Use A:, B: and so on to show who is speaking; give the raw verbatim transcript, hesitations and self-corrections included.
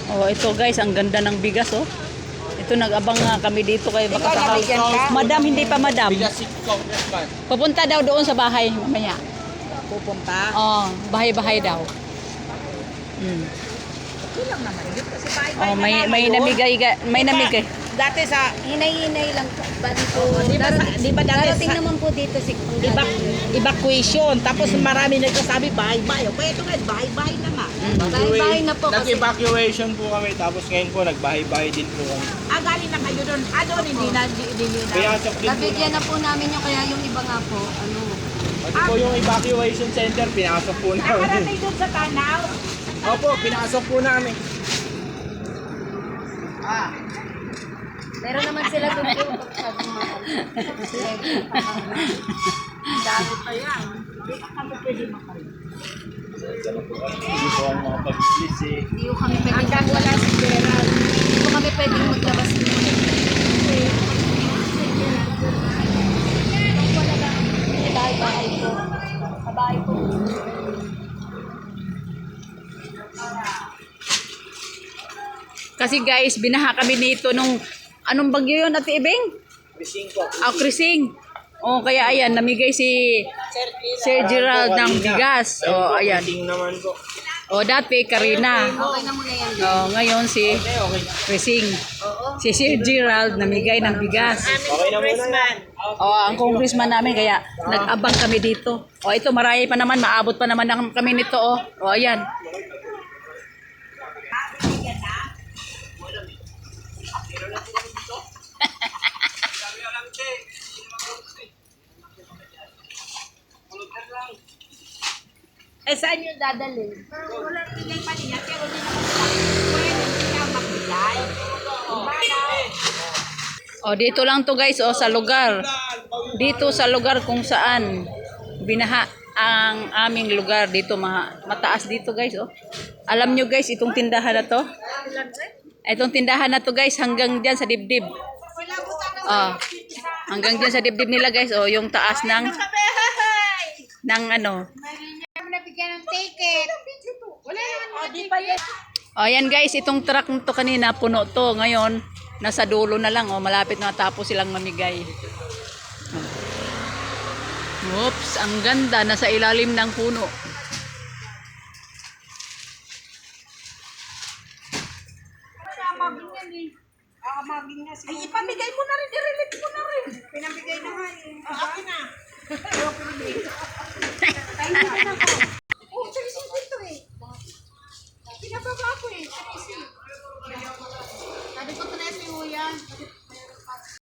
A: Oh, ito guys, ang ganda ng bigas oh. Ito nag-abang nga kami dito kay baka saka. Madam, hindi pa madam. Pupunta daw doon sa bahay mamaya.
B: Pupunta?
A: Oh, bahay-bahay daw. Mm.
B: Okay lang naman yun kasi bahay-bahay
A: Oh, may
B: na
A: may
B: ngayon.
A: namigay ga- may
B: Diba,
A: namigay.
B: Dati sa,
C: Hinay-hinay lang po. Bali po.
B: di ba, sa- di ba dati
C: Darating
B: sa,
C: naman po dito si
B: iba, evacuation. Tapos marami nagsasabi bahay-bahay. O kaya ito ngayon, bahay-bahay na nga.
C: Bahay-bahay na po kasi.
D: Nag-evacuation po kami tapos ngayon po nagbahay-bahay din po kami.
B: Ah, galing na kayo doon. Ah, doon, hindi na, hindi, hindi na.
D: Kaya sa din po.
C: Nabigyan na po namin yung kaya yung iba nga po. Ano.
D: Pati po yung evacuation center, pinasok po namin.
B: Nakarating doon sa Tanaw.
D: Opo, pinasok po namin.
B: Ah,
C: Meron naman sila doon po. Sabi mo.
B: dami pa yan. Hindi ka kami pwede makalit.
D: Hindi po ang mga pag-release eh.
C: Hindi ko kami pwedeng,
B: Hanggang wala si Gerald.
C: hindi ko kami pwedeng maglabas. Bahay-bahay po. Bahay po.
A: Kasi guys, binaha kami nito nung anong bagyo yun, Ate Ibing?
D: Krising po.
A: Ah, Krising. Oh, kaya ayan, namigay si Sir Gerald ng bigas. Oh, ayan.
D: Krising naman po.
A: Oh, dati Karina.
C: Okay na muna yan.
A: Oh, ngayon si
D: Okay, okay.
A: Krising. Si Sir Gerald namigay ng bigas.
D: Okay na muna yan.
A: Oh, ang congressman namin kaya nag-abang kami dito. Oh, ito marami pa naman, maabot pa naman ng- kami nito oh. Oh, ayan.
B: Eh, saan yung dadalhin? Wala bigay pa niya, pero hindi naman sila. Wala yung sila magbigay.
A: Oh, dito lang to guys, oh, sa lugar. Dito sa lugar kung saan binaha ang aming lugar dito, ma mataas dito guys, oh. Alam nyo guys, itong tindahan na to. Itong tindahan na to guys, hanggang diyan sa dibdib. Oh, hanggang diyan sa dibdib nila guys, oh, yung taas ng ng ano.
B: Nabigyan ng ticket. Wala naman mga ticket.
A: Oh, ayan guys, itong truck nito kanina puno to. Ngayon, nasa dulo na lang. Oh, malapit na tapos silang mamigay. Oops, ang ganda. Nasa ilalim ng puno.
B: Ay, ipamigay mo na rin. I-relate mo na rin. Pinamigay na nga eh. Ah, akin na. Oh, sige, sige, ito eh. Pinababa ko eh. Sabi ko, Tres, yung uyan.